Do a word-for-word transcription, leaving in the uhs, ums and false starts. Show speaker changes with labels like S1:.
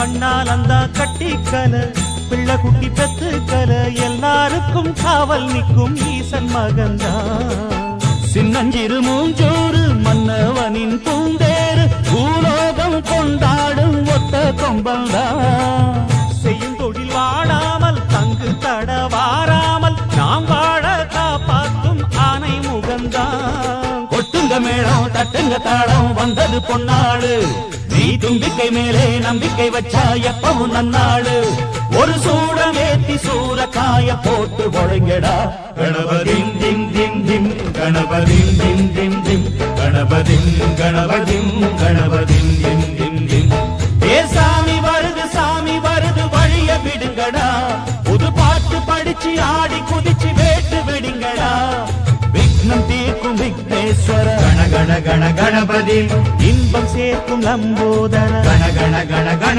S1: கண்ணால் அந்த கட்டிக்கல பிள்ளை குட்டி பெத்துக்கல எல்லாருக்கும் காவல் நிற்கும் ஈசன் மகன்தான் சின்னஞ்சிறு மூஞ்சோறு மன்னவனின் பூந்தேறு பூலோகம் கொண்டாடும் ஒத்த கொம்பல்தான் செய்யும் தொழில் வாடாமல் தங்கு தட வாராமல் நாம் வாழ காப்பாற்றும் ஆனை முகந்தான் கொட்டுங்க மேளம் தட்டுங்க தாளம் வந்தது பொன்னாடு நீ தும்பிக்கை மேலே நம்பிக்கை வச்சா எப்பவும் நன்னாடு ஒரு சூடம் ஏத்தி சூரக்காய போட்டு ஒழுங்கடா கணபதிம் திம் திம் திம் கணபதிம் திம் திம் திம் கணபதிம் கணபதிம் கணபதிம் திம் திம் திம் ஏ சாமி வருது சாமி வருது வழிய விடுங்கடா புது பாட்டு படிச்சு ஆடி குதிச்சு வேட்டு விடுங்கடா விக்னம் தீர்க்கும் விக்னேஸ்வர கண கண கண கணபதி இன்பம் சேர்க்கும் லம்போதர கண கண கண கண